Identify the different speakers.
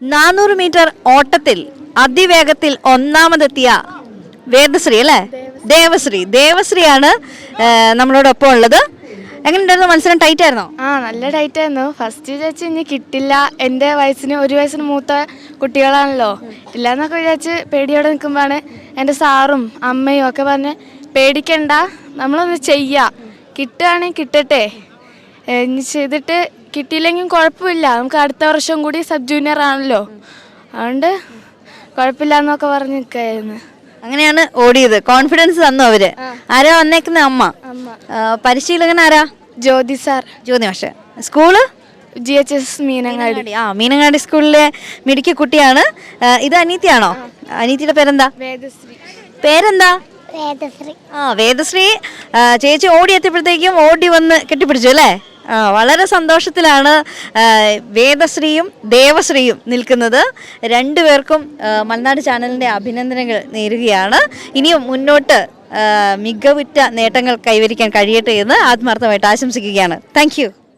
Speaker 1: 400 metre ഓട്ടത്തിൽ അതിവേഗത്തിൽ ഒന്നാമതെത്തിയ വേദശ്രീ അല്ലേ? ദേവശ്രീയാണ് നമ്മളോടൊപ്പം ഉള്ളത്. എങ്ങനെയുണ്ടായിരുന്നു മത്സരം? ടൈറ്റ് ആയിരുന്നോ?
Speaker 2: നല്ല ടൈറ്റ് ആയിരുന്നു. ഫസ്റ്റ് വിചാരിച്ച് ഇനി കിട്ടില്ല, എൻ്റെ വയസ്സിന് 1 വയസ്സിന് മൂത്ത കുട്ടികളാണല്ലോ, ഇല്ലയെന്നൊക്കെ വിചാരിച്ച് പേടിയോടെ നിൽക്കുമ്പോഴാണ് എൻ്റെ സാറും അമ്മയും ഒക്കെ പറഞ്ഞ് പേടിക്കണ്ട, നമ്മളൊന്ന് ചെയ്യാം, കിട്ടുകയാണെങ്കിൽ കിട്ടട്ടെ, ഇനി ചെയ്തിട്ട് കിട്ടിയില്ലെങ്കിൽ കുഴപ്പമില്ല, നമുക്ക് അടുത്ത വർഷം കൂടി സബ് ജൂനിയർ ആണല്ലോ, അതുകൊണ്ട് കുഴപ്പമില്ല എന്നൊക്കെ പറഞ്ഞ് നിൽക്കുകയായിരുന്നു.
Speaker 1: അങ്ങനെയാണ് ഓടിയത്. കോൺഫിഡൻസ് തന്നു അവര്. ആരാ വന്നേക്കുന്ന? അമ്മ. പരിശീലകൻ ആരാ?
Speaker 2: ജ്യോതി സാർ.
Speaker 1: ജ്യോതി മാഷ്. School
Speaker 2: GHS Meenangadi.
Speaker 1: മീനങ്ങാടി സ്കൂളിലെ മിടുക്കി കുട്ടിയാണ്. ഇത് അനീത്തിയാണോ? അനീത്തിയുടെ പേരെന്താ?
Speaker 2: വേദശ്രീ.
Speaker 1: പേരെന്താ? വേദശ്രീ. ചേച്ചി ഓടി എത്തിയപ്പോഴത്തേക്കും ഓടി വന്ന് കെട്ടിപ്പിടിച്ചു അല്ലേ? വളരെ സന്തോഷത്തിലാണ് വേദശ്രീയും ദേവശ്രീയും നിൽക്കുന്നത്. രണ്ടുപേർക്കും മലനാട് ചാനലിൻ്റെ അഭിനന്ദനങ്ങൾ നേരുകയാണ്. ഇനിയും മുന്നോട്ട് മികവുറ്റ നേട്ടങ്ങൾ കൈവരിക്കാൻ കഴിയട്ടെ എന്ന് ആത്മാർത്ഥമായിട്ട് ആശംസിക്കുകയാണ്. Thank U.